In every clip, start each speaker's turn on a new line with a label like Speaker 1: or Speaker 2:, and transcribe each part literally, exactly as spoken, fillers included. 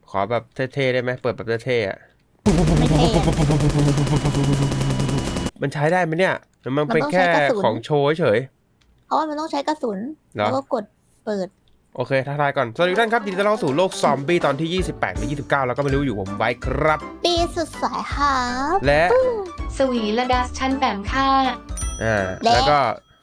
Speaker 1: ขอแบบเท่ๆได้ไหมเปิดแบบเท่ๆอ่ะ
Speaker 2: ไม่เท่
Speaker 1: มันใช้ได้ไหมเนี่ยมันเป็นแค่ของโชว์เฉย
Speaker 2: เพราะว่ามันต้องใช้กระสุนแล้วก็กดเปิด
Speaker 1: โอเคทักทายก่อนสวัสดีทุกท่านครับยินดีต้อนรับสู่โลกซอมบี้ตอนที่ยี่สิบแปดหรือยี่สิบเก้าแล้วก็ไม่รู้อยู่ผมไว้ครับ
Speaker 2: ปีสุดสายครับ
Speaker 1: และ
Speaker 3: สวีระดัสชั้นแปมค่า
Speaker 1: อ่าแล้วก็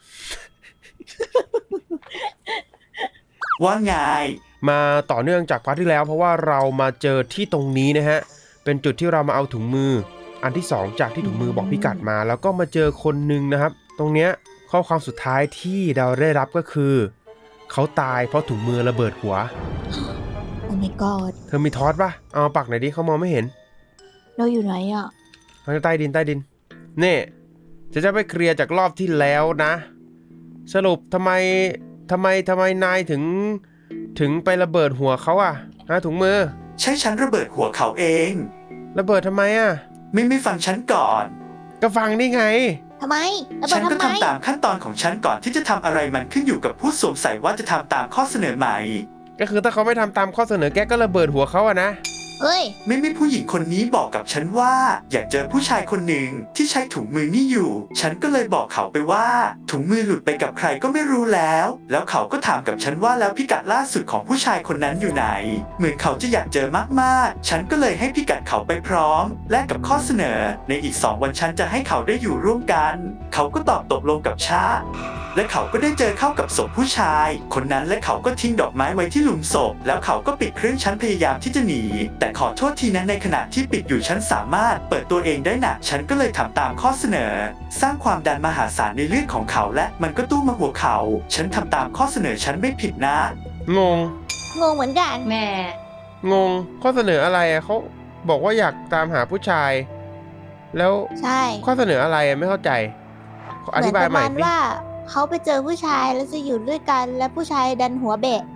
Speaker 4: ว่าไง
Speaker 1: มาต่อเนื่องจากพาร์ทที่แล้วเพราะว่าเรามาเจอที่ตรงนี้นะฮะเป็นจุดที่เรามาเอาถุงมืออันที่สองจากที่ถุงมือบอกพิกัดมาแล้วก็มาเจอคนหนึ่งนะครับตรงเนี้ยข้อความสุดท้ายที่เราได้รับก็คือเขาตายเพราะถุงมือระเบิดหัว
Speaker 2: โอ้ my god
Speaker 1: เธอมีทอสป่ะเอาปักหน่อยดิเขามองไม่เห็น
Speaker 2: เราอยู่ไหนอ่ะ
Speaker 1: ใต้ดินใต้ดินนี่จะจะไปเคลียร์จากรอบที่แล้วนะสรุปทำไมทำไมทำไมนายถึงถึงไประเบิดหัวเขาอะฮะถุงมือ
Speaker 4: ใช่ฉันระเบิดหัวเขาเอง
Speaker 1: ระเบิดทำไมอะ
Speaker 4: ไม่ไม่ฟังฉันก่อน
Speaker 1: ก็ฟังนี่ไง
Speaker 2: ทำไมระเบิดทำไม
Speaker 4: ฉันก็ทำตามขั้นตอนของฉันก่อนที่จะทำอะไรมันขึ้นอยู่กับผู้สวมใส่ว่าจะทำตามข้อเสนอไหม
Speaker 1: ก็คือถ้าเขาไม่ทำตามข้อเสนอแกก็ระเบิดหัวเขาอะนะ
Speaker 2: เฮ้ย
Speaker 4: ไม่ไม่ผู้หญิงคนนี้บอกกับฉันว่าอยากเจอผู้ชายคนหนึ่งที่ใช้ถุงมือนี่อยู่ฉันก็เลยบอกเขาไปว่าถุงมือหลุดไปกับใครก็ไม่รู้แล้วแล้วเขาก็ถามกับฉันว่าแล้วพิกัดล่าสุดของผู้ชายคนนั้นอยู่ไหนเหมือนเขาจะอยากเจอมากๆฉันก็เลยให้พิกัดเขาไปพร้อมและกับข้อเสนอในอีกสองวันฉันจะให้เขาได้อยู่ร่วมกันเขาก็ตอบตกลงกับชาและเขาก็ได้เจอเข้ากับศพผู้ชายคนนั้นและเขาก็ทิ้งดอกไม้ไว้ที่หลุมศพแล้วเขาก็ปิดเครื่องฉันพยายามที่จะหนีแต่ขอโทษทีนะในขณะที่ปิดอยู่ฉันสามารถเปิดตัวเองได้นะฉันก็เลยทำตามข้อเสนอสร้างความดันมหาศาลในเลือดของเขาและมันก็ตู้มาหัวเขาฉันทำตามข้อเสนอฉันไม่ผิดนะ
Speaker 1: งง
Speaker 2: งงเหมือนกัน
Speaker 3: แม่
Speaker 1: งงข้อเสนออะไรอะเขาบอกว่าอยากตามหาผู้ชายแล้ว
Speaker 2: ใช่
Speaker 1: ข้อเสนออะไรไม่เข้าใจอธิบายใหม่
Speaker 2: สิว่าเขาไปเจอผู้ชายแล้วจะอยู่ด้วยกันและผู้ชายดันหัวเบะ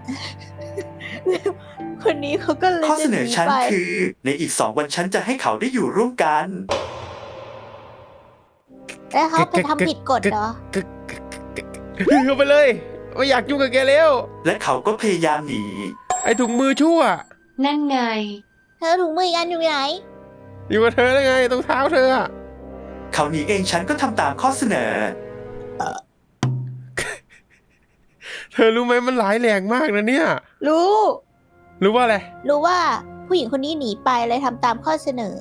Speaker 2: คนนี้เขาก็เลย
Speaker 4: ข้อเสนอฉันคือในอีกสองวันฉันจะให้เขาได้อยู่ร่วมกัน
Speaker 2: แล้วเขาไปทำผิดกฎเหรอ
Speaker 1: เขาไปเลยไม่อยากยุ่งกับแกแล้ว
Speaker 4: และเขาก็พยายามหนี
Speaker 1: ไอ้ถุงมือชั่ว
Speaker 3: นั่นไง
Speaker 2: เธอถุงมืออีกอันอยู่ไหน
Speaker 1: อยู่กับเธอได้ไงตรงเท้าเธออะ
Speaker 4: เขาหนีเองฉันก็ทำตามข้อเสนอ
Speaker 1: เธอรู้ไหมมันร้ายแรงมากนะเนี่ย
Speaker 2: รู้
Speaker 1: รู้ว่าอะไร
Speaker 2: รู้ว่าผู้หญิงคนนี้หนีไปเลยทำตามข้อเสนอ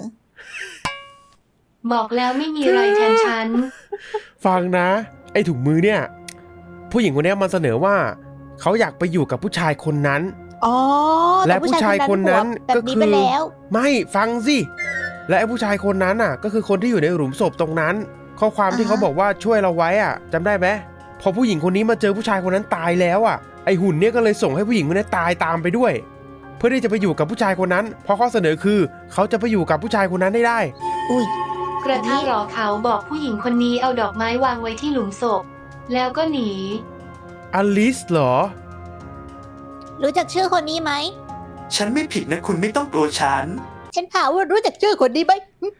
Speaker 3: บอกแล้วไม่มีอะไรแทนฉัน
Speaker 1: ฟังนะไอ้ถุงมือเนี่ยผู้หญิงคนนี้มันเสนอว่าเขาอยากไปอยู่กับผู้ชายคนนั้น
Speaker 2: อ๋อ
Speaker 1: และผู้ชายคนนั้นก็คือไม่ฟังสิและไอ้ผู้ชายคนนั้นอ่ะก็คือคนที่อยู่ในหลุมศพตรงนั้นข้อความที่เขาบอกว่าช่วยเราไว้อ่ะจำได้ไหมพอผู้หญิงคนนี้มาเจอผู้ชายคนนั้นตายแล้วอ่ะไอหุ่นเนี่ยก็เลยส่งให้ผู้หญิงคนนี้ตายตามไปด้วยเพื่อที่จะไปอยู่กับผู้ชายคนนั้นเพราะข้อเสนอคือเขาจะไปอยู่กับผู้ชายคนนั้นได้ได้
Speaker 2: อุ้ย
Speaker 3: กระทั่งรอเขาบอกผู้หญิงคนนี้เอาดอกไม้วางไว้ที่หลุมศพแล้วก็หนี
Speaker 1: อลิสเหรอ
Speaker 2: รู้จักชื่อคนนี้ไหม
Speaker 4: ฉันไม่ผิดนะคุณไม่ต้องกลัวฉัน
Speaker 2: ฉันถามว่ารู้จักชื่อคนนี้ไหม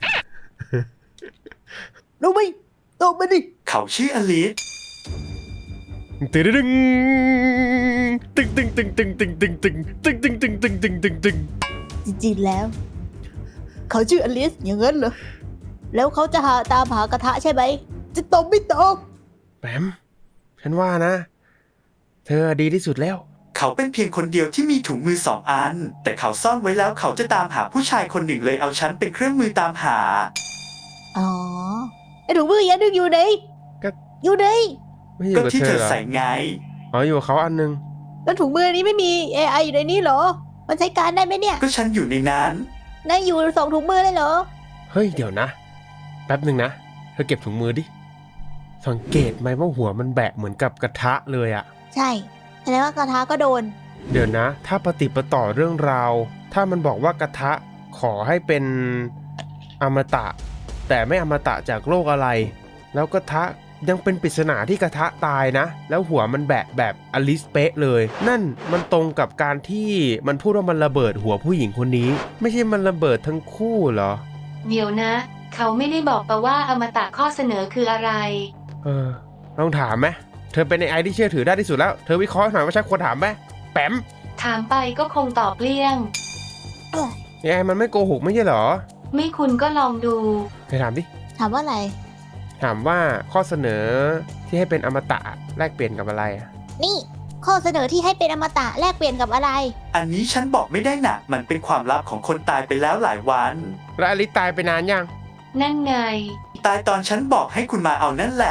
Speaker 2: รู้ไหมตอบมาดิ
Speaker 4: เขาชื่ออลิส
Speaker 1: ตึงตึงตึงตึงตึงตึงตึงตึงตึงตึงตึงตึงตึงตึงตึงตึง
Speaker 2: จริงๆแล้วเขาชื่ออลิสอย่างนั้นเหรอแล้วเขาจะหาตามหากระทะใช่ไหมจะตอบไม่ตอบ
Speaker 1: แปมฉันว่านะเธอดีที่สุดแล้ว
Speaker 4: เขาเป็นเพียงคนเดียวที่มีถุงมือสองอันแต่เขาซ่อนไว้แล้วเขาจะตามหาผู้ชายคนหนึ่งเลยเอาฉันเป็นเครื่องมือตามหา
Speaker 2: อ๋อไอ้ถุงมือยันนึงอยู่ไหน
Speaker 1: ก็
Speaker 2: อยู่ไหน
Speaker 4: ก็ที่เธอใส่ไง
Speaker 1: อ๋ออยู่กับเขาอันนึง
Speaker 2: แล้วถุงมือนี้ไม่มี เอ ไอ อยู่ในนี้เหรอมันใช้การได้ไหมเนี่ย
Speaker 4: ก็ฉันอยู่ในนั้น
Speaker 2: นายอยู่สองถุงมือเลยเหรอ
Speaker 1: เฮ้ยเดี๋ยวนะแป๊บหนึ่งนะเธอเก็บถุงมือดิสังเกตไหมว่าหัวมันแบะเหมือนกับกระทะเลยอะ
Speaker 2: ใช่แสดงว่ากระทะก็โดน
Speaker 1: เดี๋ยวนะถ้าปฏิปต่อเรื่องราวถ้ามันบอกว่ากระทะขอให้เป็นอมตะแต่ไม่อมตะจากโรคอะไรแล้วกระทะยังเป็นปริศนาที่กระทะตายนะแล้วหัวมันแบะแบบอลิสเป๊ะเลยนั่นมันตรงกับการที่มันพูดว่ามันระเบิดหัวผู้หญิงคนนี้ไม่ใช่มันระเบิดทั้งคู่เหรอ
Speaker 3: เดี๋ยวนะเขาไม่ได้บอกปะว่าอมตะข้อเสนอคืออะไร
Speaker 1: เออลองถามไหมเธอเป็นไอที่เชื่อถือได้ที่สุดแล้วเธอวิเคราะห์หน่อยว่าใช่ควรถามไหมแปม
Speaker 3: ถามไปก็คงตอบเลี่ยง
Speaker 2: เอ้ย
Speaker 1: เอไอมันไม่โกหกไม่ใช่เหรอ
Speaker 3: ไม่คุณก็ลองดู
Speaker 1: เธอถามดิ
Speaker 2: ถามว่าอะไร
Speaker 1: ถามว่าข้อเสนอที่ให้เป็นอมตะแลกเปลี่ยนกับอะไรอะ
Speaker 2: นี่ข้อเสนอที่ให้เป็นอมตะแลกเปลี่ยนกับอะไร
Speaker 4: อันนี้ฉันบอกไม่ได้นะมันเป็นความลับของคนตายไปแล้วหลายวัน
Speaker 1: แล้วอลิสตายไปนานยัง
Speaker 3: นั่นไง
Speaker 4: ตายตอนฉันบอกให้คุณมาเอานั่นแหละ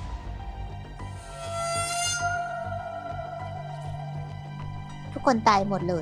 Speaker 2: ทุกคนตายหมดเลย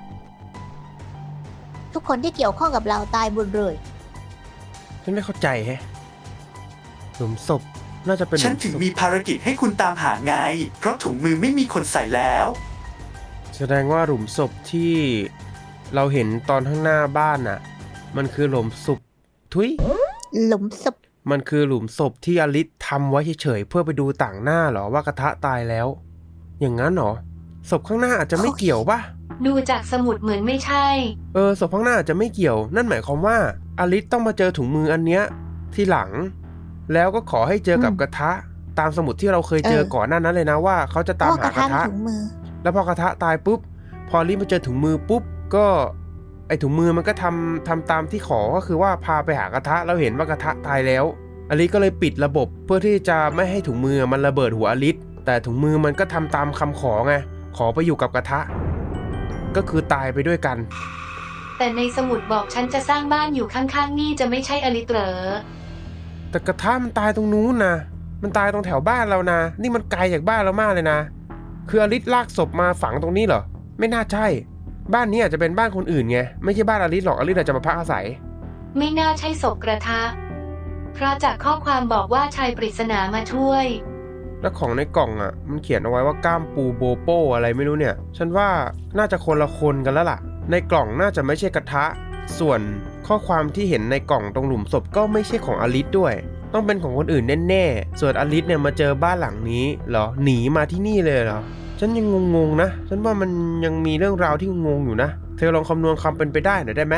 Speaker 2: ทุกคนที่เกี่ยวข้องกับเราตายหมดเลย
Speaker 1: ฉันไม่เข้าใจแฮะหลุมศพน่าจะเป็นห
Speaker 4: ฉั
Speaker 1: ลุ
Speaker 4: น
Speaker 1: ม
Speaker 4: ถึง
Speaker 1: ศพ
Speaker 4: มีภารกิจให้คุณตามหาไง เพราะถุงมือไม่มีคนใส่แล้ว
Speaker 1: แสดงว่าหลุมศพที่เราเห็นตอนข้างหน้าบ้านน่ะ มันคือหลุมศพทุย
Speaker 2: หลุมศพ
Speaker 1: มันคือหลุมศพที่อลิสทำไว้เฉยๆเพื่อไปดูต่างหน้าเหรอว่ากระทะตายแล้ว อย่างนั้นเหรอศพข้างหน้าอาจจะไม่เกี่ยวป่ะ
Speaker 3: ดูจากสมุดเหมือนไม่ใช่
Speaker 1: เออศพข้างหน้าอาจจะไม่เกี่ยว นั่นหมายความว่าอลิสต้องมาเจอถุงมืออันเนี้ยที่หลัง แล้วก็ขอให้เจอกับกระทะ ตามสมุดที่เราเคยเจอก่อนหน้านั้นเลยนะว่าเขาจะตาม
Speaker 2: พ่อก
Speaker 1: หา
Speaker 2: ระ
Speaker 1: กระ
Speaker 2: ทะ
Speaker 1: ทะ
Speaker 2: ถุงมือ
Speaker 1: แล้วพอกระทะตายปุ๊บ พออลิสมาเจอถุงมือปุ๊บก็ไอถุงมือมันก็ทำทำตามที่ขอก็คือว่าพาไปหากระทะแล้วเห็นว่ากระทะตายแล้วอลิสก็เลยปิดระบบเพื่อที่จะไม่ให้ถุงมือมันระเบิดหัวอลิสแต่ถุงมือมันก็ทำตามคำขอไงขอไปอยู่กับกระทะ ก็คือตายไปด้วยกัน
Speaker 3: แต่ในสมุดบอกฉันจะสร้างบ้านอยู่ข้างๆนี่จะไม่ใช่อลิตเหรอ
Speaker 1: แต่กระทะมันตายตรงนู้นนะมันตายตรงแถวบ้านเรานะ นี่มันไกลจากบ้านเรามากเลยนะ คืออลิสลากศพมาฝังตรงนี้เหรอ ไม่น่าใช่ บ้านนี้อาจจะเป็นบ้านคนอื่นไง ไม่ใช่บ้านอลิสหรอก อลิสอาจจะมาพักอาศัย
Speaker 3: ไม่น่าใช่ศพกระทะ เพราะจากข้อความบอกว่าชายปริศนามาช่วย
Speaker 1: แล้วของในกล่องอ่ะ มันเขียนเอาไว้ว่าก้ามปูโบโป้อะไรไม่รู้เนี่ย ฉันว่าน่าจะคนละคนกันแล้วล่ะ ในกล่องน่าจะไม่ใช่กระทะ ส่วนข้อความที่เห็นในกล่องตรงหลุมศพก็ไม่ใช่ของอลิสด้วย ต้องเป็นของคนอื่นแน่ๆ ส่วนอลิสเนี่ยมาเจอบ้านหลังนี้เหรอ หนีมาที่นี่เลยเหรอ ฉันยังงงๆนะ ฉันว่ามันยังมีเรื่องราวที่งงอยู่นะ เธอลองคำนวณความเป็นไปได้หน่อยได้ไหม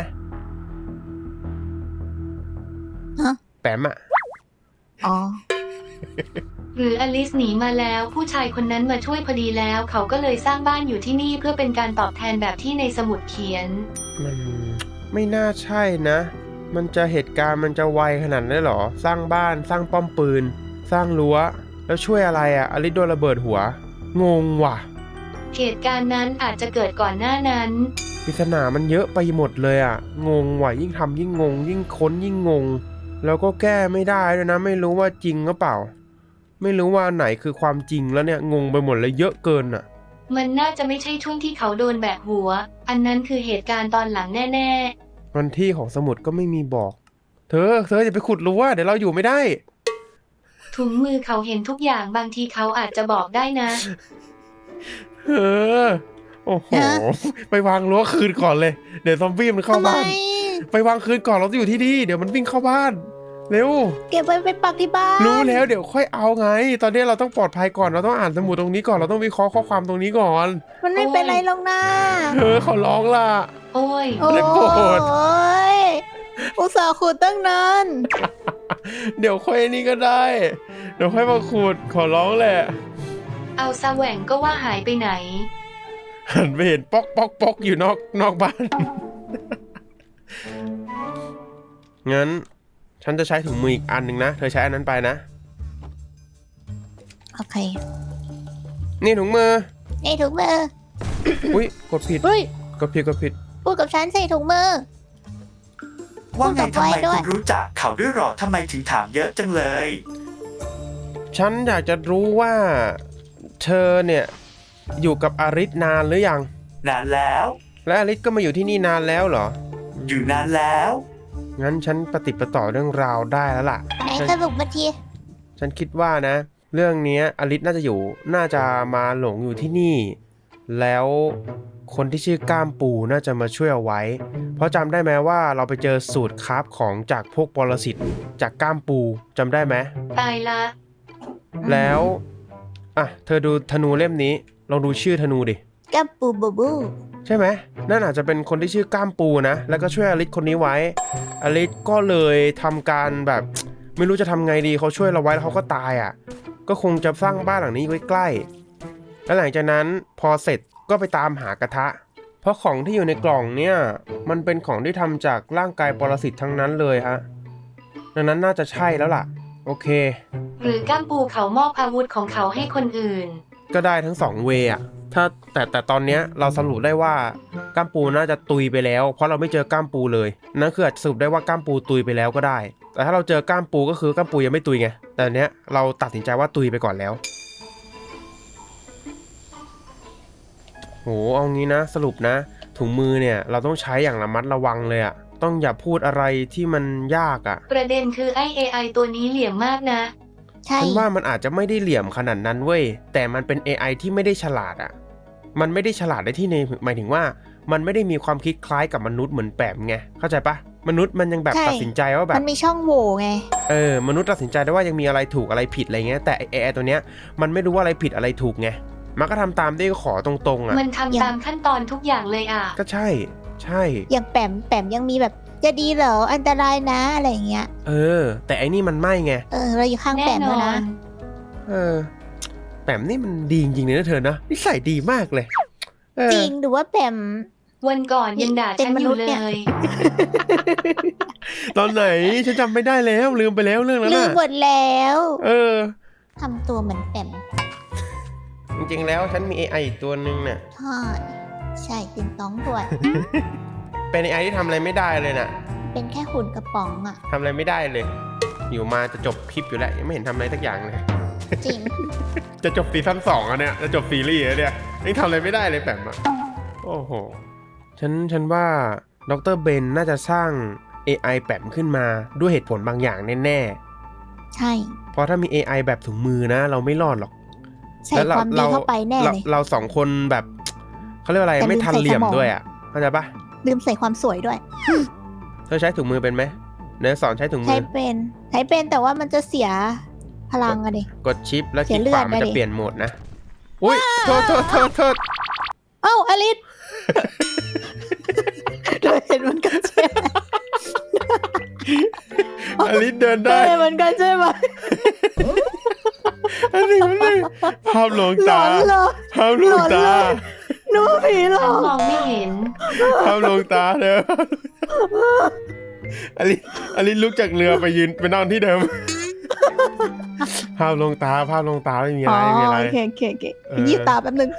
Speaker 2: ฮะ
Speaker 1: แปมอะ
Speaker 2: อ๋อ
Speaker 3: หรืออลิสหนีมาแล้วผู้ชายคนนั้นมาช่วยพอดีแล้ว เขาก็เลยสร้างบ้านอยู่ที่นี่เพื่อเป็นการตอบแทนแบบที่ในสมุดเขียน
Speaker 1: มันไม่น่าใช่นะ มันจะเหตุการณ์มันจะไวขนาดนั้นเหรอ สร้างบ้านสร้างป้อมปืน สร้างรั้ว แล้วช่วยอะไรอะอลิสโดนระเบิดหัว งงว่ะ
Speaker 3: เหตุการณ์นั้นอาจจะเกิดก่อนหน้านั้น
Speaker 1: ปริศนามันเยอะไปหมดเลยอะงงว่ะยิ่งทำยิ่งงง ยิ่งค้นยิ่งงง แล้วก็แก้ไม่ได้ด้วยนะ ไม่รู้ว่าจริงหรือเปล่า ไม่รู้ว่าไหนคือความจริงแล้วเนี่ยงงไปหมดเลยเยอะเกินอะ
Speaker 3: มันน่าจะไม่ใช่ช่วงที่เขาโดนแบกหัว อันนั้นคือเหตุการณ์ตอนหลังแน่ๆ
Speaker 1: วันที่ของสมุดก็ไม่มีบอก เธอ เธออย่าไปขุดรั้วเดี๋ยวเราอยู่ไม่ได้
Speaker 3: ถุงมือเขาเห็นทุกอย่างบางทีเขาอาจจะบอกได้นะ
Speaker 1: เออโอ้โห
Speaker 2: ฮะ
Speaker 1: ไปวางรั้วคืนก่อนเลย เดี๋ยวซอมบี้มันเข้า
Speaker 2: ทำไม
Speaker 1: บ้าน ไปวางคืนก่อนเราจะอยู่ที่นี่เดี๋ยวมันวิ่งเข้าบ้าน เร็ว
Speaker 2: เก็บไว้ไปปักที่บ้าน
Speaker 1: รู้แล้วเดี๋ยวค่อยเอาไง ตอนนี้เราต้องปลอดภัยก่อนเราต้องอ่านสมุดตรงนี้ก่อนเราต้องวิเคราะห์ข้อความตรงนี้ก่อน
Speaker 2: มันไม่เป็นไรหรอกนะ
Speaker 1: เธอขอร้องล่ะ
Speaker 3: โอ้ย
Speaker 2: โอ้
Speaker 1: ได้โปรด
Speaker 2: ยอุตส่าห์ขุดตั้งนาน
Speaker 1: เดี๋ยวค่อยนี่ก็ได้ เดี๋ยวค่อยมาขุดขอร้องแหละ
Speaker 3: เอาซะแหว่งก็ว่าหายไปไหน
Speaker 1: หันไปเห็นป๊อกป๊อกป๊อกอยู่นอกนอกบ้าน งั้น ฉันจะใช้ถุงมืออีกอันหนึ่งนะ เธอใช้อันนั้นไปนะ
Speaker 2: โอเค
Speaker 1: นี่ถุงมือ
Speaker 2: นี่ถุงมือ
Speaker 1: อุ้ยกดผิด
Speaker 2: เฮ้ย
Speaker 1: กดผิดกดผิด
Speaker 2: พูดกับฉันใส่ถุงมือ
Speaker 4: ว่าไงทำไม
Speaker 2: พูดกับไว้ด้วย
Speaker 4: คุณรู้จักเขาด้วยหรอทำไมถึงถามเยอะจังเลย
Speaker 1: ฉันอยากจะรู้ว่า เธอเนี่ยอยู่กับอาริสนานหรือยัง
Speaker 4: นานแล้ว
Speaker 1: และอาริสก็มาอยู่ที่นี่นานแล้วเหรอ
Speaker 4: อยู่นานแล้ว
Speaker 1: งั้นฉันปฏิดประต่อเรื่องราวได้แล้วล่ะ
Speaker 2: ไหน
Speaker 1: ฉัน
Speaker 2: สรุปมาที
Speaker 1: ฉันคิดว่านะ เรื่องเนี้ยอาริสน่าจะอยู่น่าจะมาหลงอยู่ที่นี่ แล้วคนที่ชื่อก้ามปูน่าจะมาช่วยเอาไว้ เพราะจำได้ไหมว่าเราไปเจอสูตรคราฟของจากพวกปรสิตจากก้ามปูจำได้ไหม
Speaker 3: ตายละ
Speaker 1: แล้วอ่ะเธอดูธนูเล่มนี้ลองดูชื่อธนูดิ
Speaker 2: กับปูบูบู
Speaker 1: ใช่ไหมนั่นอาจจะเป็นคนที่ชื่อก้ามปูนะแล้วก็ช่วยอลิสคนนี้ไว้อลิสก็เลยทำการแบบ ไม่รู้จะทำไงดีเขาช่วยเราไว้แล้วเขาก็ตายอ่ะก็คงจะสร้างบ้านหลังนี้ไว้ใกล้แล้วหลังจากนั้นพอเสร็จก็ไปตามหากระทะเพราะของที่อยู่ในกล่องเนี่ยมันเป็นของที่ทำจากร่างกายปรสิตทั้งนั้นเลยฮะดังนั้นน่าจะใช่แล้วล่ะโอเค
Speaker 3: หรือก้ามปูเขามอบอาวุธของเขาให้คนอื่น
Speaker 1: ก็ได้ทั้งสองเวย์อะถ้าแต่แต่ตอนเนี้ยเราสรุปได้ว่าก้ามปูน่าจะตุยไปแล้วเพราะเราไม่เจอก้ามปูเลยนั่นคืออาจสรุปได้ว่าก้ามปูตุยไปแล้วก็ได้ แต่ถ้าเราเจอก้ามปูก็คือก้ามปูยังไม่ตุยไงแต่อันเนี้ยเราตัดสินใจว่าตุยไปก่อนแล้วโหเอางี้นะสรุปนะถุงมือเนี่ยเราต้องใช้อย่างระมัดระวังเลยอะต้องอย่าพูดอะไรที่มันยากอะ
Speaker 3: ประเด็นคือไอ เอ ไอ ตัวนี้เหลี่ยมมากนะ
Speaker 2: ใช่
Speaker 1: ฉันว่ามันอาจจะไม่ได้เหลี่ยมขนาดนั้นเว้ยแต่มันเป็น เอ ไอ ที่ไม่ได้ฉลาดอะมันไม่ได้ฉลาดได้ที่ในหมายถึงว่ามันไม่ได้มีความคิดคล้ายกับมนุษย์เหมือนแปมไงเข้าใจปะมนุษย์มันยังแบบตัดสินใจว่าแบบ
Speaker 2: มันมีช่องโหว่ไง
Speaker 1: เออมนุษย์ตัดสินใจได้ว่ายังมีอะไรถูกอะไรผิดอะไรเงี้ยแต่ เอ ไอ ตัวเนี้ยมันไม่รู้ว่าอะไรผิดอะไรถูกไงมันก็ทำตามที่ขอตรงๆอะ
Speaker 3: มันทำตามขั้นตอนทุกอย่างเลยอ่ะ
Speaker 1: ก็ใช่ใช่
Speaker 2: อย่างแปมแปมยังมีแบบจะดีเหรออันตรายนะอะไรอย่างเงี้ย
Speaker 1: เออ แต่ไอ้นี่มันไม่ไง
Speaker 2: เออเราอยู่ข้าง
Speaker 3: แน่
Speaker 2: แปม
Speaker 3: น
Speaker 2: แล้ว
Speaker 3: อ
Speaker 2: นะ
Speaker 3: น
Speaker 1: เออแปมนี่มันดีจริงๆเลยนะเธอนะนิสัยดีมากเลยเออ
Speaker 2: จริงหรือว่าแปม
Speaker 3: วันก่อนยังด่า
Speaker 2: เป็น
Speaker 3: ฉัน
Speaker 2: ม
Speaker 3: อ
Speaker 2: นุ
Speaker 3: ยู่
Speaker 2: ษย์
Speaker 3: เล
Speaker 2: เนี่ย
Speaker 3: ย
Speaker 1: ตอนไหนฉันจำไม่ได้แล้วลืมไปแล้วเรื่องนั้น
Speaker 2: ลืม
Speaker 1: น่ะ
Speaker 2: หมดแล้ว
Speaker 1: เออ
Speaker 2: ทำตัวเหมือนแปม
Speaker 1: จริงๆแล้วฉันมี เอ ไอ อีกตัวหนึ่งเนี่ย
Speaker 2: ใช่ใช่เป็นต้องด้วย
Speaker 1: เป็น เอ ไอ ที่ทำอะไรไม่ได้เลยน่ะ
Speaker 2: เป็นแค่หุ่นกระป๋องอ่ะ
Speaker 1: ทำอะไรไม่ได้เลย อยู่มาจะจบคลิปอยู่แล้วยังไม่เห็นทำอะไรสักอย่างเลย
Speaker 2: จริง
Speaker 1: จะจบซีซั่นสองอ่ะเนี่ยจะจบซีรีส์แล้วเนี่ยยังทำอะไรไม่ได้เลยแปมอ่ะโอ้โหฉันฉันว่าดรเบนน่าจะสร้าง เอ ไอ แปมขึ้นมาด้วยเหตุผลบางอย่างแน่
Speaker 2: ใช่
Speaker 1: ๆเพราะถ้ามี เอ ไอ แบบถุงมือนะ เราไม่รอดหรอก
Speaker 2: ใส่ความดีเข้าไปแน่
Speaker 1: เรา
Speaker 2: เลย
Speaker 1: เราสองคนแบบเขาเรียกว่าอะไร
Speaker 2: แต่ลืม
Speaker 1: ไม่ทันเหลี่ยม
Speaker 2: ใส่สมอง
Speaker 1: ด้วยอ่ะเข้าใจปะ
Speaker 2: ลืมใส่ความสวยด้วย
Speaker 1: เธอใช้ถุงมือเป็นไหมเนื้อสอนใช้ถุงมื
Speaker 2: ใช้
Speaker 1: อ
Speaker 2: เป็นใช้เป็นแต่ว่ามันจะเสียพลังอะดิ
Speaker 1: กดชิปแล้วค
Speaker 2: เสี
Speaker 1: ลิ
Speaker 2: ย
Speaker 1: ก
Speaker 2: เลื
Speaker 1: ข
Speaker 2: อ
Speaker 1: วา
Speaker 2: ด
Speaker 1: มัน
Speaker 2: นะ
Speaker 1: จะ
Speaker 2: ดิ
Speaker 1: เปลี่ยนโหมดนะอุ้ยโทษโทษโทษโทษ
Speaker 2: เอ้าอลิส เธอเห็นมันกันใช่ไหม
Speaker 1: อลิสเดิน
Speaker 2: เธอ
Speaker 1: ได้
Speaker 2: เห็นมันกันใช่ไหม
Speaker 1: อันนี้มันเลยภาพลวง
Speaker 2: หล
Speaker 1: ตา
Speaker 2: อนเหรอ
Speaker 1: ภาพลวงตา
Speaker 2: หลอนเลย นึกว่าผีเหรอ
Speaker 3: ฉันมองไม่เห็น
Speaker 1: ภาพลวงตาเด้ออลิสอลิสลุกจากเรือไปยืนไปนอนที่เดิม ภาพลวงตาภาพลวงตาไม่มีอะ
Speaker 2: อ๋อ
Speaker 1: ไรไม่มีอะไร
Speaker 2: โอเคโอเคโอเค
Speaker 1: เออ
Speaker 2: ยี่ตาแป๊บนึง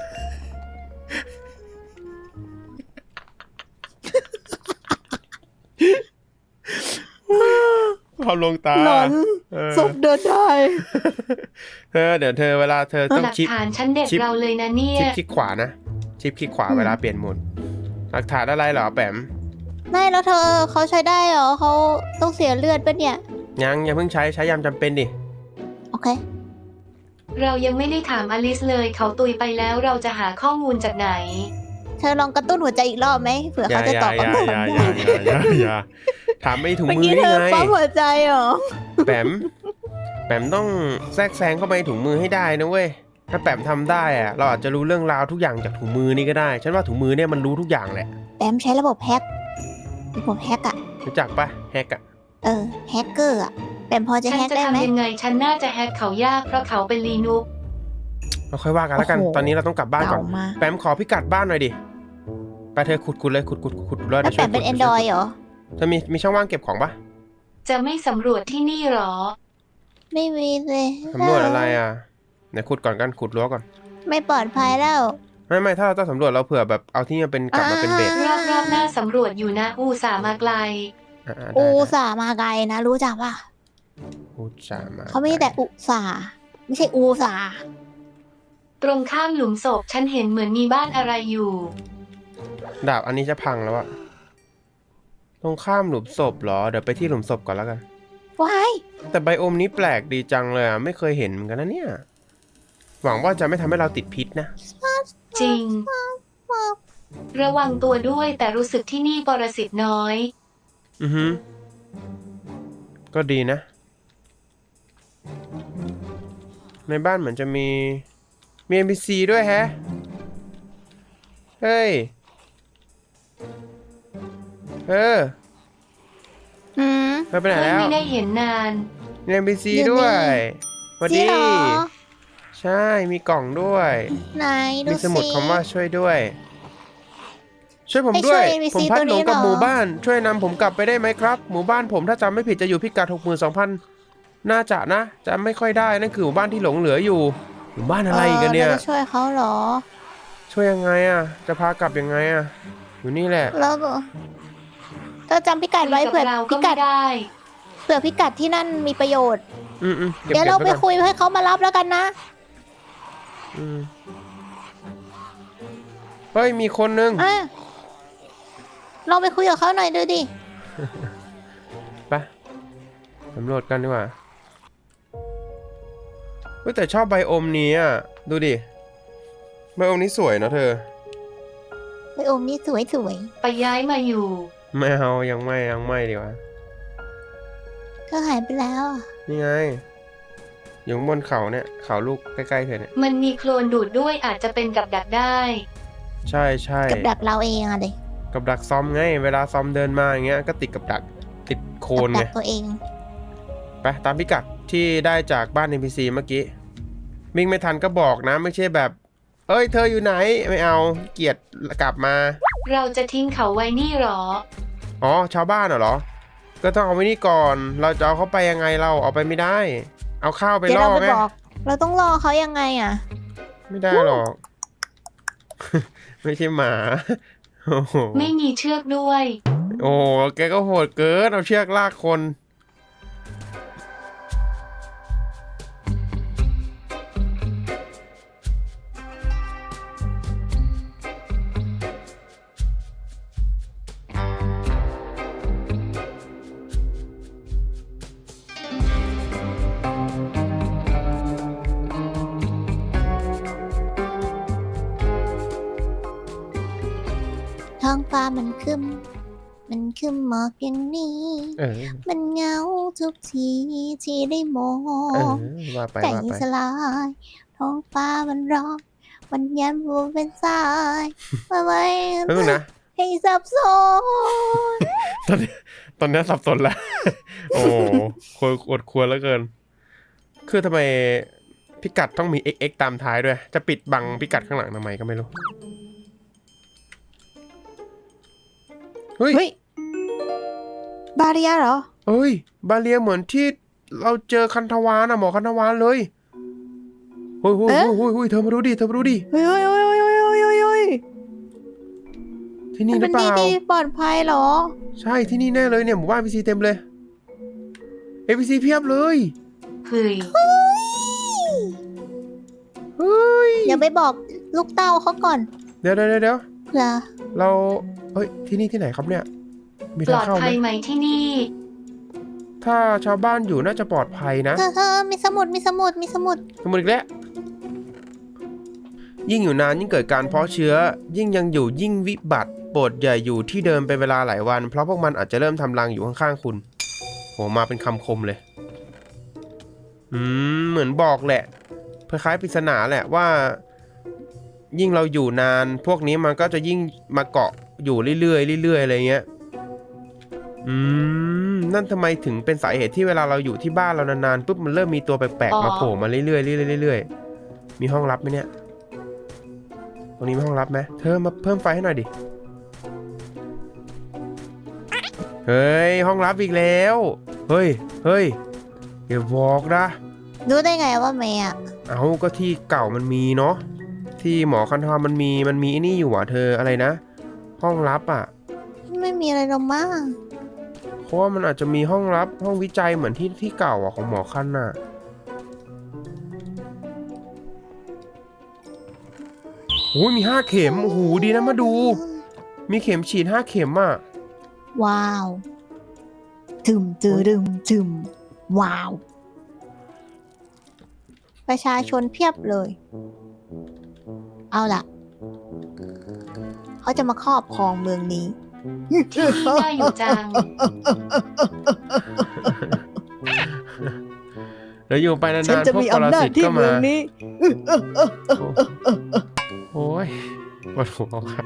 Speaker 1: ภาพลวงตา
Speaker 2: หลอน
Speaker 1: เออ
Speaker 2: ศพเดินได้
Speaker 1: เธอเดี๋ยวเธอเวลาเธอต้อง
Speaker 3: หลัก
Speaker 1: ชิป
Speaker 3: ฐานฉันเด็ด
Speaker 1: ชิป
Speaker 3: เราเลยนะเนี่ย
Speaker 1: ชิปคลิกขวานะ ชิปคลิกขวา
Speaker 2: อืม
Speaker 1: เวลาเปลี่ยนโหมดหลักฐานอะไรเหรอแปม
Speaker 2: ไม่แล้วเธอเขาใช้ได้เหรอเขาต้องเสียเลือดปะเนี่ย
Speaker 1: ยังอย่าเพิ่งใช้ใช้ยามจำเป็นดิ
Speaker 2: โอเค
Speaker 3: เรายังไม่ได้ถามอลิสเลย เขาตุยไปแล้วเราจะหาข้อมูลจากไหน
Speaker 2: เธอลองกระตุ้นหัวใจอีกรอบไหมเผื่อ
Speaker 1: อย่า
Speaker 2: เขาจะ
Speaker 1: อย่า
Speaker 2: ตอบ
Speaker 1: อย่า
Speaker 2: คำถาม
Speaker 1: อย่า
Speaker 2: ได้
Speaker 1: อย่าอย่าอย่าอย่าถามไม่ถุง
Speaker 2: เมื่อ
Speaker 1: มือ
Speaker 2: กี้
Speaker 1: นี่
Speaker 2: เธอ
Speaker 1: ไง
Speaker 2: ปั๊มหัวใจเหรอ
Speaker 1: แปมแปมต้องแทรกแซงเข้าไปในถุงมือให้ได้นะเว้ยถ้าแปมทำได้อะเราอาจจะรู้เรื่องราวทุกอย่างจากถุงมือนี่ก็ได้ ฉันว่าถุงมือเนี่ยมันรู้ทุกอย่างแหละ
Speaker 2: แปมใช้ระบบแฮกระบบแฮกอะ
Speaker 1: รู้จักปะแฮกอะ
Speaker 2: เออแฮกเกอร์อะแปมพอจะ
Speaker 3: ฉัน
Speaker 2: แฮก
Speaker 3: จะ
Speaker 2: ได้ไหม
Speaker 3: ทำยังไง ฉันน่าจะแฮกเขายากเพราะเขาเป็นลีนุก
Speaker 1: เราค่อยว่ากันแล้วกัน
Speaker 2: โอ้โห
Speaker 1: ตอนนี้เราต้องกลับบ้านก่อน
Speaker 2: เก่ามาก
Speaker 1: แปมขอพิกัดบ้านหน่อยดิไปเธอขุดขุดเลยขุดขุดขุดแล้ว
Speaker 2: แล้ว
Speaker 1: เดี๋ยว
Speaker 2: แป
Speaker 1: ช่วย
Speaker 2: มเป็น
Speaker 1: ขุ
Speaker 2: แอนดรอยเหรอ
Speaker 1: เธอมีมีช่องว่างเก็บของปะ
Speaker 3: จะไม่สำรวจที่นี่หรอ
Speaker 2: ไม่มีเลย
Speaker 1: สำรวจอะไรอ่ะเดี๋ยวขุดก่อนกันขุดรั้วก่อน
Speaker 2: ไม่ปลอดภัยแล้ว
Speaker 1: ไม่ไม่ถ้าเราต้องสำรวจเราเผื่อแบบเอาที่มันเป็นกลับมาเป็นเบส
Speaker 3: รอบรอบๆหน้าสำรวจอยู่นะอูสาห์มาไกล
Speaker 1: อ่าได้
Speaker 2: อุ
Speaker 1: ได้
Speaker 2: สาห์มาไกลนะ รู้จักปะ
Speaker 1: อุตส่าห์มา
Speaker 2: เขาไม่ได้แต่อุสาห์ไม่ใช่อูสาห์
Speaker 3: ตรงข้ามหลุมศพฉันเห็นเหมือนมีบ้านอะไรอยู่
Speaker 1: ดาบอันนี้จะพังแล้วอะตรงข้ามหลุมศพเหรอเดี๋ยวไปที่หลุมศพก่อนแล้วกัน
Speaker 2: ว้าย
Speaker 1: แต่ไบโอมนี้แปลกดีจังเลยอ่ะไม่เคยเห็นเหมือนกันนะเนี่ยหวังว่าจะไม่ทำให้เราติดพิษนะ
Speaker 3: จริง ระวังตัวด้วยแต่รู้สึกที่นี่ปรสิตน้อย
Speaker 1: อือฮึก็ดีนะ ในบ้านเหมือนจะมีมี เอ็น พี ซี ด้วยแฮะเฮ้ยเออ
Speaker 2: อืม
Speaker 1: เธอไปไหน
Speaker 3: เพื่อน
Speaker 1: แล้ว
Speaker 3: ไม่ได้เห็นนาน
Speaker 1: มี เอ็น พี ซี
Speaker 2: อยู่นี่
Speaker 1: ด้วยสวัส
Speaker 2: จริ
Speaker 1: ดี
Speaker 2: งเหรอ
Speaker 1: ใช่มีกล่องด้วย
Speaker 2: ไหนดู
Speaker 1: มีสมุด
Speaker 2: สิ
Speaker 1: คำว่าช่วยด้วยช่วยผม
Speaker 2: ให้
Speaker 1: ด้วย
Speaker 2: ช่วย เอ็น พี
Speaker 1: ผม
Speaker 2: ซี
Speaker 1: พัด
Speaker 2: ตัว
Speaker 1: หล
Speaker 2: นี้
Speaker 1: งกับ
Speaker 2: เหรอ
Speaker 1: หมู่บ้าน ช่วยนำผมกลับไปได้ไหมครับ หมู่บ้านผมถ้าจำไม่ผิดจะอยู่พิกัดหกหมื่นสองพันน่าจะนะจำไม่ค่อยได้นั่นคือหมู่บ้านที่หลงเหลืออยู่หมู่บ้านอะไรกันเนี่ย
Speaker 2: ออราจะช่วยเขาเหรอ
Speaker 1: ช่วยยังไงอ่ะ จะพากลับยังไงอ่ะ อยู่นี่แหละ
Speaker 2: แล้วก็เธอจำพิกัดไว้
Speaker 3: กับ
Speaker 2: เผื่อ
Speaker 3: เรา
Speaker 2: พิ
Speaker 3: ก็
Speaker 2: กั
Speaker 3: ไม่
Speaker 2: ด
Speaker 3: ได้
Speaker 2: เผื่อพิกัดที่นั่นมีประโยชน์
Speaker 1: อืมอืมเก็บ
Speaker 2: เดี๋ยว
Speaker 1: เก็บ
Speaker 2: เรา
Speaker 1: ไว้
Speaker 2: ไป
Speaker 1: ก่อน
Speaker 2: คุยให้เขามารับแล้วกันนะ
Speaker 1: อืมเฮ้ยมีคนนึง
Speaker 2: อ่ะเราไปคุยกับเขาหน่อยดูดิ
Speaker 1: ไปสำรวจกันดีกว่าเฮ้ยแต่ชอบไบโอมนี้อ่ะ ดูดิ ไบโอมนี้สวยเนอะเธอ
Speaker 2: ไปโอมนี่สวยสวย
Speaker 3: ไปย้ายมาอยู่
Speaker 1: ไม่เอายังไม่ยังไม่ดีกว่า
Speaker 2: ๆเธอหายไปแล้วอะ
Speaker 1: นี่ไง อยู่บนเขาเนี่ยเขาลูกใกล้ๆเธอเนี่ย
Speaker 3: มันมีโคลนดูดด้วยอาจจะเป็นกับดักได้
Speaker 1: ใช่ใช่
Speaker 2: กับดักเราเองอะเด็ก
Speaker 1: กับดักซอมไง เวลาซอมเดินมาอย่างเงี้ยก็ติดกับดักติดโค
Speaker 2: กับ
Speaker 1: น
Speaker 2: ดั
Speaker 1: ไง
Speaker 2: กตัวเอง
Speaker 1: ไปตามพิกัดที่ได้จากบ้าน เอ็น พี ซี เมื่อกี้วิ่งไม่ทันก็บอกนะ ไม่ใช่แบบ เอ้ยเธออยู่ไหนไม่เอาเกลียดกลับมา
Speaker 3: เราจะทิ้งเขาไว้นี่หรอ
Speaker 1: อ๋อชาวบ้านเหรอ ก็ต้องเอาไว้นี่ก่อน เราจะเอาเขาไปยังไงเราเอาไปไม่ได้ เอาข้าวไป
Speaker 2: เดี๋ยว
Speaker 1: ล่อ
Speaker 2: เราไป
Speaker 1: ไง
Speaker 2: บอก เราต้องรอเขายังไงอะ
Speaker 1: ไม่ได้หรอก ไม่ใช่หมา โอ้โห
Speaker 3: ไม่มีเชือกด้วย
Speaker 1: โอ้โหแกก็โหดเกินเอาเชือกลากคน
Speaker 2: ท้องฟ้ามันคึมมันคึมหมอกอย่างนี้
Speaker 1: เออ
Speaker 2: มันเหงาทุกทีที่ได้มอ
Speaker 1: เออง ว่าไป
Speaker 2: ใจ
Speaker 1: ว่าไป
Speaker 2: สลาย ท้องฟ้ามันร้องมันยันวัวเป็นสายมาไว้
Speaker 1: เพิ่งนะ
Speaker 2: ให้สับสน
Speaker 1: ตอนนี้ตอนนี้สับสนแล้ว โอ้โหควรอดควรแล้วเกิน คือทำไมพิกัดต้องมี เอ็กซ์ เอ็กซ์ ตามท้ายด้วย จะปิดบังพิกัดข้างหลังทำไมก็ไม่รู้ เฮ้ย
Speaker 2: เฮ้ย บาเรียเหรอ
Speaker 1: เอ้ย บาเลียเหมือนที่เราเจอคันธวานอะหมอคันธวานเลยเฮ้ยเฮ้ย
Speaker 2: เอ๊ะ
Speaker 1: เฮ้ยเฮ้ยเธอมาดูดิ เธอมาดูดิ
Speaker 2: เฮ้ยเฮ้ยเฮ้ยเฮ้ยเฮ้ยเฮ้ยเฮ้ย
Speaker 1: ที่นี่
Speaker 2: มัน
Speaker 1: หรื
Speaker 2: เป็
Speaker 1: อน เป
Speaker 2: ที่
Speaker 1: ล่า
Speaker 2: ที่ปลอดภัยเหรอ
Speaker 1: ใช่ที่นี่แน่เลยเนี่ยหมู่บ้านพีซีเต็มเลย เอพีซีเพียบเลย
Speaker 3: เฮ้ย
Speaker 1: เฮ้ย
Speaker 2: เดี๋ยวไปบอกลูกเต้าเขาก่อน
Speaker 1: เดี๋ยวเดี๋ยวเดี๋ยว
Speaker 2: เผื่อ
Speaker 1: เราเฮ้ย ที่นี่ที่ไหนครับเนี่ย มี
Speaker 3: ปล
Speaker 1: ทาง
Speaker 3: อด
Speaker 1: เข้าไหม
Speaker 3: ภัยไหมที่นี่
Speaker 1: ถ้าชาวบ้านอยู่น่าจะปลอดภัยนะ
Speaker 2: เธอเธอมีสมุดมีสมุดมีสมุด
Speaker 1: สมมติอีกแล้ว ยิ่งอยู่นานยิ่งเกิดการเพาะเชื้อ ยิ่งยังอยู่ยิ่งวิบัติ โปรดอย่าอยู่ที่เดิมเป็นเวลาหลายวัน เพราะพวกมันอาจจะเริ่มทำรังอยู่ข้างๆคุณ โห มาเป็นคำคมเลย อืม เหมือนบอกแหละคล้ายๆปริศนาแหละว่า ยิ่งเราอยู่นาน พวกนี้มันก็จะยิ่งมาเกาะอยู่เรื่อยๆเรื่อยๆอะไรเงี้ย อืม นั่นทำไมถึงเป็นสาเหตุที่เวลาเราอยู่ที่บ้านเรานานๆปุ๊บมันเริ่มมีตัวแปลก
Speaker 3: อ๋อ
Speaker 1: ๆมาโผล่มาเรื่อยๆเรื่อยๆเรื่อยๆมีห้องลับไหมเนี่ย ตรงนี้มีห้องลับไหมเธอมาเพิ่มไฟให้หน่อยดิ เฮ้ย ห้องลับอีกแล้ว เฮ้ย เฮ้ยอย่าบอกนะ
Speaker 2: รู้ได้ไงว่าเมย์อะ
Speaker 1: เอาก็ที่เก่ามันมีเนาะ ที่หมอคันธรมันมี มันมีไอ้นี่อยู่อ่ะเธออะไรนะ ห้องลับอ่ะ
Speaker 2: ไม่มีอะไรหรอกมั้ง
Speaker 1: เพราะว่ามันอาจจะมีห้องลับห้องวิจัยเหมือนที่ที่เก่าอ่ะของหมอคันน่ะ โอ้ยมีห้าเข็ม โอ้โหดีนะมาดู มีเข็มฉีดห้าเข็มอ่ะ
Speaker 2: ว้าวจึมจืดึมจึมว้าว ประชาชนเพียบเลย เอาล่ะ เขาจะมาครอบครองเมืองนี้
Speaker 3: ที่นี่น่าอยู่จัง
Speaker 1: เดี๋ยวอยู่ไปนาน
Speaker 2: ฉันจะ
Speaker 1: ๆพวก
Speaker 2: มี
Speaker 1: ปร
Speaker 2: อำนาจ
Speaker 1: สิต
Speaker 2: ที่
Speaker 1: ก็
Speaker 2: เมื
Speaker 1: มา
Speaker 2: องนี้
Speaker 1: โอ้ยปวดหัวครับ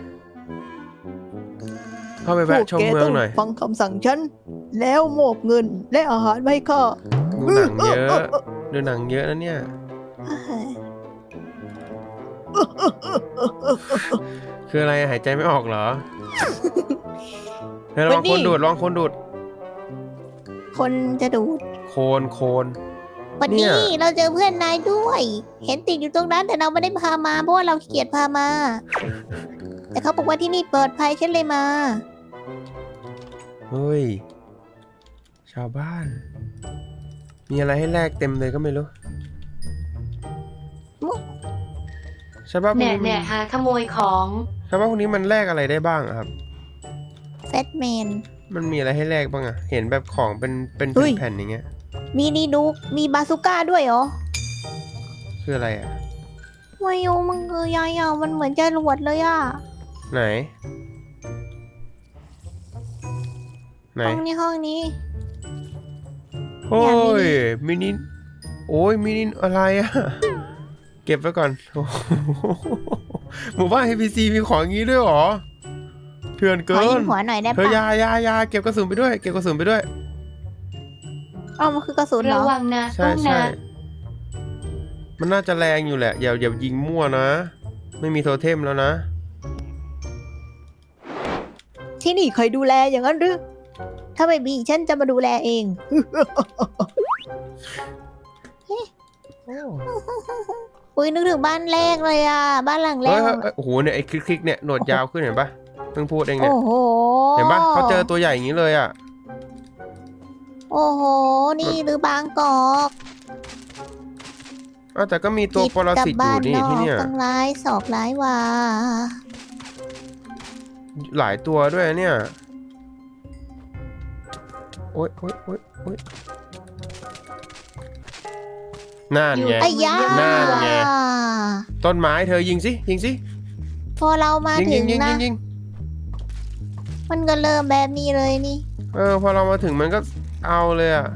Speaker 1: เข้าไป
Speaker 2: พว
Speaker 1: แวะ
Speaker 2: ก
Speaker 1: ชม
Speaker 2: แก
Speaker 1: เมือ
Speaker 2: ต้
Speaker 1: ง
Speaker 2: อง
Speaker 1: หน่อย
Speaker 2: ฟังคำสั่งฉัน แล้วมอบเงินและอาหารมาให้ข้า
Speaker 1: ดูหนังเยอะดูหนังเยอะนะเนี่ย คคืออะไรหายใจไม่ออกเหรอ เฮ้ยลองคนดูดลองคนดูด
Speaker 2: คนจะดูด
Speaker 1: โคนโคน
Speaker 2: วัน
Speaker 1: เนี่
Speaker 2: นี้
Speaker 1: ย
Speaker 2: เราเจอเพื่อนนายด้วย เห็นติดอยู่ตรงนั้นแต่เราไม่ได้พามาเพราะว่าเราขี้เกียจพามา แต่เขาบอกว่าที่นี่ปลอดภัยฉันเลยมา
Speaker 1: เฮ้ย ชาวบ้าน มีอะไรให้แลกเต็มเลยก็ไม่รู้ชาวบ้านพวก
Speaker 3: แหน่
Speaker 1: นี้
Speaker 3: แห
Speaker 1: มัน
Speaker 3: น่หาขโมยของ
Speaker 1: ชาวบ้านพวกนี้มันแลกอะไรได้บ้างอะครับ
Speaker 2: แฟตแมน
Speaker 1: มันมีอะไรให้แลกบ้างอะเห็นแบบของเป็นเป็น
Speaker 2: เฮ้ย
Speaker 1: แผ่นๆอย่างเงี้ย
Speaker 2: มีนีดูกมีบาซูก้าด้วยเหรอ
Speaker 1: คืออะไรอะ
Speaker 2: วายุมันคือยายอ่ะมันเหมือนจรวดเลยอ่ะ
Speaker 1: ไหน ไหน
Speaker 2: ห้องนี้ห้องนี้
Speaker 1: โอ้
Speaker 2: อยากมี
Speaker 1: ย มินิ โอ้ย มินิอะไรอะเก็บไว้ก่อนโอ้โหหมู่บ้าน เอ พี ซี มีของอย่างนี้ด้วยเหรอเถื่อน
Speaker 2: ขอ
Speaker 1: เกิ
Speaker 2: ยิ
Speaker 1: น
Speaker 2: งหัวหน่อยได้
Speaker 1: เธอ
Speaker 2: ปะ
Speaker 1: อยาอยาอยาเก็บกระสุนไปด้วย เก็บกระสุนไปด้วย
Speaker 2: เอ้ามันคือกระสุนเหร
Speaker 3: ระ
Speaker 2: อ
Speaker 3: วังนะ
Speaker 1: ใช่
Speaker 3: ตุ้ม
Speaker 1: ใช่
Speaker 3: นะ
Speaker 1: มันน่าจะแรงอยู่แหละ อย่าอย่ายิงมั่วนะ ไม่มีโทเทมแล้วนะ
Speaker 2: ที่นี่ใครดูแลอย่างนั้นหรือ ถ้าไม่มีฉันจะมาดูแลเอง อุ้ยนึกถึงบ้านแรกเลยอ่ะ บ้านหลังแร
Speaker 1: เฮ้ย
Speaker 2: ก
Speaker 1: เฮ้ยเฮ้ยโอ้โหเนี่ยไอ้คลิกๆเนี่ยหนวดยาวขึ้นเห็นปะเพิ่งพูดเองเนี่ย
Speaker 2: โอ้โห
Speaker 1: เห็นปะเขาเจอตัวใหญ่อย่างนี้เลยอ่ะ
Speaker 2: โอ้โห นี่หรือบางกอก
Speaker 1: อ้าวแต่ก็มีตัวปรสิตอยู่นี่ที่เนี่ย
Speaker 2: ตั้งร้ายศอกร้ายว่า
Speaker 1: หลายตัวด้วยเนี่ย โอ๊ยโอ๊ยโอ๊ยโอ๊ยนั่นไง
Speaker 2: ไอ้ยา
Speaker 1: นั่นไง ต้นไม้เธอยิงสิ ยิงสิ
Speaker 2: พอเรามา
Speaker 1: ยิง
Speaker 2: ถึ
Speaker 1: ยิ
Speaker 2: ง
Speaker 1: งยิง
Speaker 2: นะ
Speaker 1: ยิงยิง
Speaker 2: มันก็เริ่มแบบนี้เลยนี่
Speaker 1: เออ พอเรามาถึงมันก็เอาเลยอ่ะ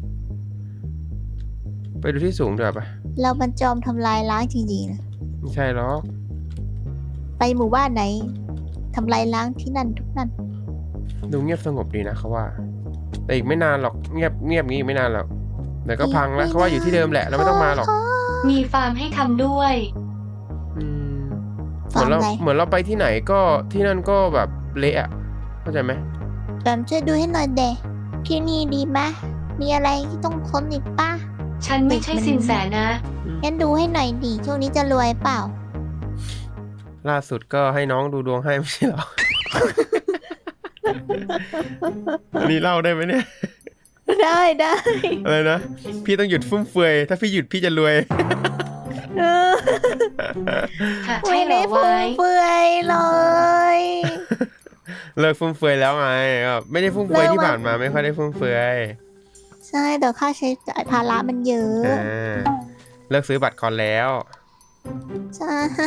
Speaker 1: ไปดูที่สูงเถอะปะ
Speaker 2: เรามันจอมทำลายล้างจริงๆนะ
Speaker 1: ไม่ใช่หรอก
Speaker 2: ไปหมู่บ้านไหนทำลายล้างที่นั่นทุกนั่น
Speaker 1: ดูเงียบสงบดีนะเขาว่า แต่อีกไม่นานหรอก เงียบเงียบงี้อีกไม่นานหรอกเดี๋ยวก็พังแล้วเขาว่าอยู่ที่เดิมแหละเราไม่ต้องมาหรอก
Speaker 3: มีฟาร์มให้ทำด้วย
Speaker 1: อืมเหมือนเรา
Speaker 2: ฟาร์มอะไร
Speaker 1: เหมือนเราไปที่ไหนก็ที่นั่นก็แบบเละอะเข้าใจไหม
Speaker 2: แบมช่วยดูให้หน่อยเดะที่นี่ดีไหมมีอะไรที่ต้องค้นอีกป่ะ
Speaker 3: ฉันไม่ใช่สินแสนะ
Speaker 2: งั้นดูให้หน่อยดิช่วงนี้จะรวยเปล่า
Speaker 1: ล่าสุดก็ให้น้องดูดวงให้ไม่ใช่เหรอ อันนี้เล่าได้ไหมเนี่ย
Speaker 2: ได้ได้
Speaker 1: อะไรนะ พี่ต้องหยุดฟุ่มเฟือย ถ้าพี่หยุดพี่จะรวย
Speaker 2: เออ
Speaker 3: ค่ะ
Speaker 2: ไม่
Speaker 3: ใช่เหร
Speaker 2: ได้
Speaker 3: อ
Speaker 2: ฟุ่
Speaker 3: ไว้
Speaker 2: มเฟือยเลย
Speaker 1: เลิกฟุ่มเฟือยแล้วไงก็ไม่ได้ฟุ่มเฟือยที่ผ่านมาไม่ค่อยได้ฟุ่มเฟือย
Speaker 2: ใช่แต่ค่าใช้จ่ายภาระมันเยอะ
Speaker 1: อ่าเลิกซื้อบัตรคอนแล้ว
Speaker 2: ใช่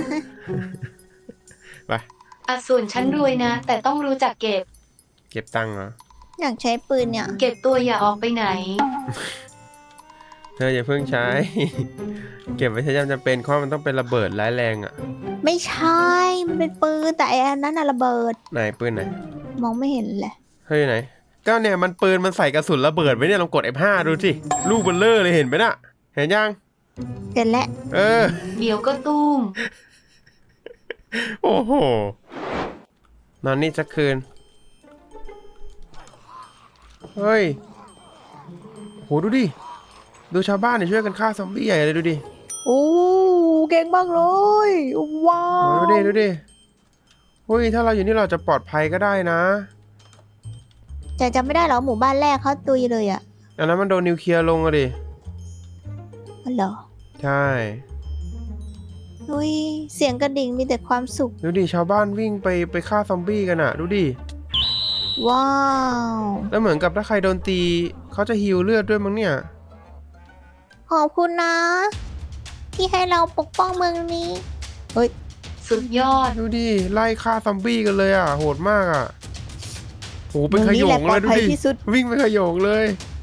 Speaker 1: ไป
Speaker 3: อ่ะส่วนฉันรวยนะ แต่ต้องรู้จักเก็บ
Speaker 1: เก็บตังค์เหรอ
Speaker 2: อยากใช้ปืนเนี่ย
Speaker 3: เก็บตัวอย่าออกไปไหน
Speaker 1: เธออย่าเพิ่งใช้ เก็บไว้ใช้ยามจำเป็นเพราะมันต้องเป็นระเบิดร้ายแรงอ่ะ
Speaker 2: ไม่ใช่ มันเป็นปืนแต่ไอ้อันนั้นน่ะระเบิด
Speaker 1: ไหนปืนไหน
Speaker 2: มองไม่เห็นเลย
Speaker 1: เฮ้ยไหนก็เนี่ยมันปืนมันใส่กระสุนระเบิดไว้เนี่ยลองกด เอฟ ห้า ดูสิลูกเบลเลอร์เลยเห็นไหมน่ะ เห็นยัง
Speaker 2: เสร็จแล้ว
Speaker 1: เออ
Speaker 3: เดี๋ยวก็ตุ้ม
Speaker 1: โอ้โห นอนนี่สักคืน เฮ้ย โหดูดิ ดูชาวบ้านเนี่ยช่วยกันฆ่าซอมบี้ใหญ่เลยดูดิ
Speaker 2: โอ้เก่งมากเลยว้า
Speaker 1: โอ้
Speaker 2: ว
Speaker 1: ดูดิดูดิเฮ้ยถ้าเราอยู่นี่เราจะปลอดภัยก็ได้นะ
Speaker 2: แต่จำไม่ได้เหรอหมู่บ้านแรกเขาตุยเลยอะ
Speaker 1: อันนั้นมันโดนนิวเคลียร์ลงอะดิ
Speaker 2: อ๋อเหรอ
Speaker 1: ใช่
Speaker 2: อุ้ยเสียงกระดิ่งมีแต่ความสุข
Speaker 1: ดูดิชาวบ้านวิ่งไปไปฆ่าซอมบี้กันอะดูดิ
Speaker 2: ว้าว
Speaker 1: แล้วเหมือนกับถ้าใครโดนตีเขาจะฮีลเลือดด้วยมั้งเนี่ย
Speaker 2: ขอบคุณนะ ที่ให้เราปกป้องเมืองนี้ เฮ้ย
Speaker 3: สุดยอด
Speaker 1: ดูดิไล่ฆ่าซอมบี้กันเลยอ่ะโหดมากอ่ะโหเป็นขโยงเลยดู
Speaker 2: เมืองนี้แหละปลอดภัย
Speaker 1: ดิ
Speaker 2: ที่สุด
Speaker 1: วิ่งเป็นขโยงเลย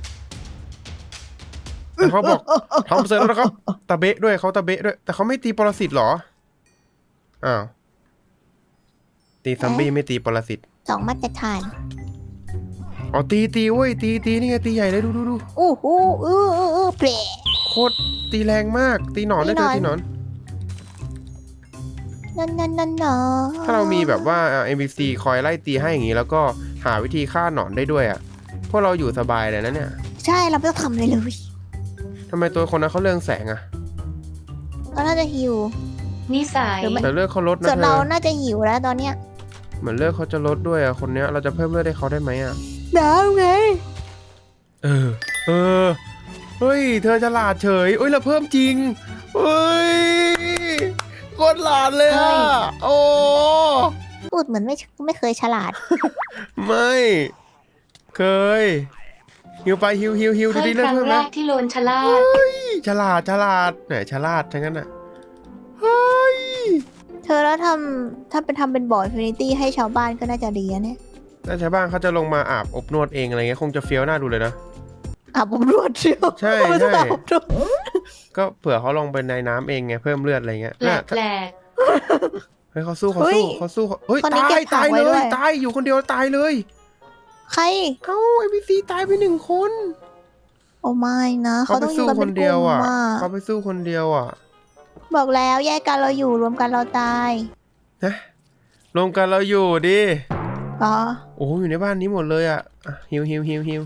Speaker 1: แต่เขาบอกทำเสร็จแล้วนะครับตะเบะด้วยเขาตะเบะด้วย แต่เขาไม่ตีปรสิตเหรออ้าวตีซอมบี้ไม่ตีปรสิต
Speaker 2: สองมาตรฐาน
Speaker 1: อ๋อตีตีเว้ยตีตีนี่ไงตีใหญ่เลยดูดูดู
Speaker 2: อู้หูอื้ออื้ออื้อเปร
Speaker 1: โคตรตีแรงมาก ตีหนอนได้ด้วย
Speaker 2: ตี
Speaker 1: ตี
Speaker 2: ห
Speaker 1: ห
Speaker 2: น
Speaker 1: น
Speaker 2: อ
Speaker 1: อน น
Speaker 2: นั่นนั่นนั่นเนาะ
Speaker 1: ถ้าเรามีแบบว่า เอ็ม บี ซี คอยไล่ตีให้อย่างนี้แล้วก็หาวิธีฆ่าหนอนได้ด้วยอ่ะพวกเราอยู่สบายเลยนะเนี่ย
Speaker 2: ใช่เราไม่ต้องทำอะไรเลย
Speaker 1: ทำไมตัวคนนั้นเขาเรืองแสงอ่ะ
Speaker 2: ก็น่าจะหิว
Speaker 3: นิสัย
Speaker 2: หรือไม่
Speaker 1: แต่เลือดเขาลดนะ
Speaker 2: ส่วน
Speaker 1: เธ
Speaker 2: เรา
Speaker 1: อ
Speaker 2: น่าจะหิวแล้วตอนเนี้ย
Speaker 1: เหมือนเลือดเขาจะลดด้วยอ่ะคนเนี้ยเราจะเพิ่มเลือดให้เขาได้ไหมอ่ะ
Speaker 2: ดาวไง
Speaker 1: เออ เออ เฮ้ย เธอฉลาดเฉยเอ้ย เราเพิ่มจริง เฮ้ยโคตรหลาดเลย
Speaker 3: เฮ้
Speaker 1: อ่ะ
Speaker 3: ย
Speaker 1: โอ้
Speaker 2: พูดเหมือนไม่ไม่เคยฉลาด
Speaker 1: ไม่ เคย ฮิวไปฮิวฮิวฮิวดู
Speaker 3: เฮ้ย
Speaker 1: ดิ
Speaker 3: ค
Speaker 1: เลือด
Speaker 3: รั้ง
Speaker 1: เพิ่ม
Speaker 3: แร
Speaker 1: นะ
Speaker 3: กที่โลนชะลาด
Speaker 1: ฉลาดฉลาดไหนฉลาดทั้งนั้นอ่ะ เฮ้ย
Speaker 2: เธอแล้วทำถ้าเป็นทำเป็นบ่อฟินิตี้ให้ชาวบ้านก็น่าจะดีนะเนี่ย
Speaker 1: ถ้าชาวบ้านเขาจะลงมาอาบอบนวดเองอะไรเงี้ยคงจะเฟี้ยวหน้าดูเลยนะ
Speaker 2: อาบอบนวดเชียว
Speaker 1: ใช่
Speaker 2: ไม่ต้อง
Speaker 1: ใช่
Speaker 2: อาบอบนวด
Speaker 1: ก็เผื่อเขาลงไปในน้ำเองไงเพิ่มเลือดอะไรเงี้ย
Speaker 3: แปล
Speaker 1: น่ะ
Speaker 3: กแปลก
Speaker 1: เฮ้ยเขาสู้เขาสู้เขาสู้เขาเฮ้ย
Speaker 2: คนนี้
Speaker 1: ตาย
Speaker 2: เก็บผั
Speaker 1: ตาก ย
Speaker 2: ไว้
Speaker 1: เล
Speaker 2: ด้วย ย
Speaker 1: ตายอยู่คนเดียวตายเลย
Speaker 2: ใคร
Speaker 1: เอ้าไอพีซีตายไปหนึ่งคน
Speaker 2: โอ้ไม่นะ
Speaker 1: เขา
Speaker 2: เขา
Speaker 1: ไป
Speaker 2: ต้องอยู่
Speaker 1: สู้
Speaker 2: กัน
Speaker 1: ค
Speaker 2: เป็น
Speaker 1: น
Speaker 2: ก
Speaker 1: เดียว
Speaker 2: ลุ่ม
Speaker 1: อ่ะ
Speaker 2: อ่ะ
Speaker 1: เขาไปสู้คนเดียวอ่ะ
Speaker 2: บอกแล้วแยกกันเราอยู่รวมกันเราตาย
Speaker 1: นะรวมกันเราอยู่ดิ
Speaker 2: อ๋อ
Speaker 1: โอ้โหอยู่ในบ้านนี้หมดเลยอ่ะอ่ะฮิวฮิวฮิวฮิวย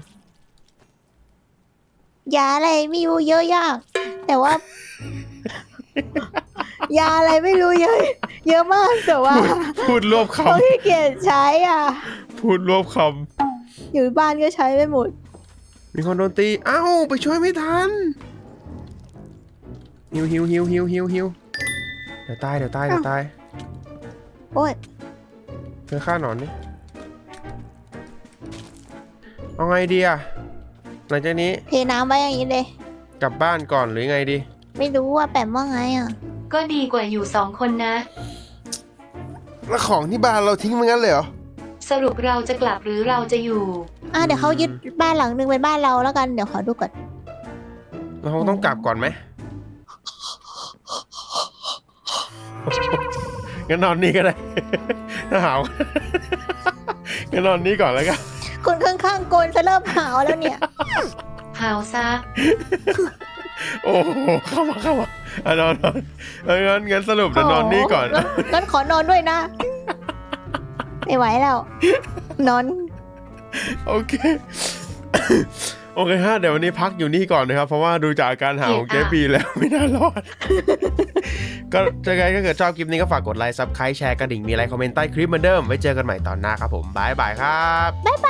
Speaker 2: าอะไรไม่รู้เยอะยาก แต่ว่า ยาอะไรไม่รู้เยอะ เยอะมากแต่ว่า
Speaker 1: พูดรวบค
Speaker 2: เขาขี้เกียจใช้อ่ะ
Speaker 1: ำพูดรวบค
Speaker 2: อยู่บ้านก็ใช้ไม่หมด
Speaker 1: ำมีคนโดนตีเอ้าไปช่วยไม่ทันฮิวฮิวฮิวฮิวฮิวฮิวเดี๋ยวตายเดี๋ยวตายเดี๋ยวตาย
Speaker 2: โอ้ย
Speaker 1: เธอฆ่าหนอนนี่เอาไงดีอะหลังจากนี้
Speaker 2: เทน้ำไว้อย่างนี้เลย
Speaker 1: กลับบ้านก่อนหรือไงดี
Speaker 2: ไม่รู้ว่าแปมว่าไงอ่ะ
Speaker 3: ก็ดีกว่าอยู่สองคนนะ
Speaker 1: แล้วของที่บ้านเราทิ้งมันงั้นเลยเหรอ
Speaker 3: สรุปเราจะกลับหรือเราจะอยู่
Speaker 2: อ่ะเดี๋ยวเขายึดบ้านหลังนึงเป็นบ้านเราแล้วกันเดี๋ยวขอดูก่อน
Speaker 1: เราคงต้องกลับก่อนไหม งั้นนอนนี่ก็ได้ ถ้าหาว งั้นนอนนี่ก่อนแล้วกัน
Speaker 2: คนข้างๆโกนจะเริ่มหาวแล้วเนี่ย
Speaker 3: หาวซะ
Speaker 1: โอ้โหเข้ามาเข้ามาอ่ะนอนนอนเอางั้นงั้นสรุปจะนอนนี่ก่อน
Speaker 2: โงั้งั้นขอนอนด้วยนะ ไม่ไหวแล้ว นอน
Speaker 1: โอเค โอเคฮะเดี๋ยววันนี้พักอยู่นี่ก่อนนะครับ เพราะว่าดูจากอาการหาวของเจ๊บีแล้วไม่น่ารอด ก็จะไงถ้าเกิดชอบคลิปนี้ก็ฝากกดไลค์ซับสไครต์แชร์กระดิ่งมีอะไรคอมเมนต์ใต้คลิปเหมือนเดิมไว้เจอกันใหม่ตอนหน้าครับผมบายบายครับ
Speaker 2: บ๊ายบ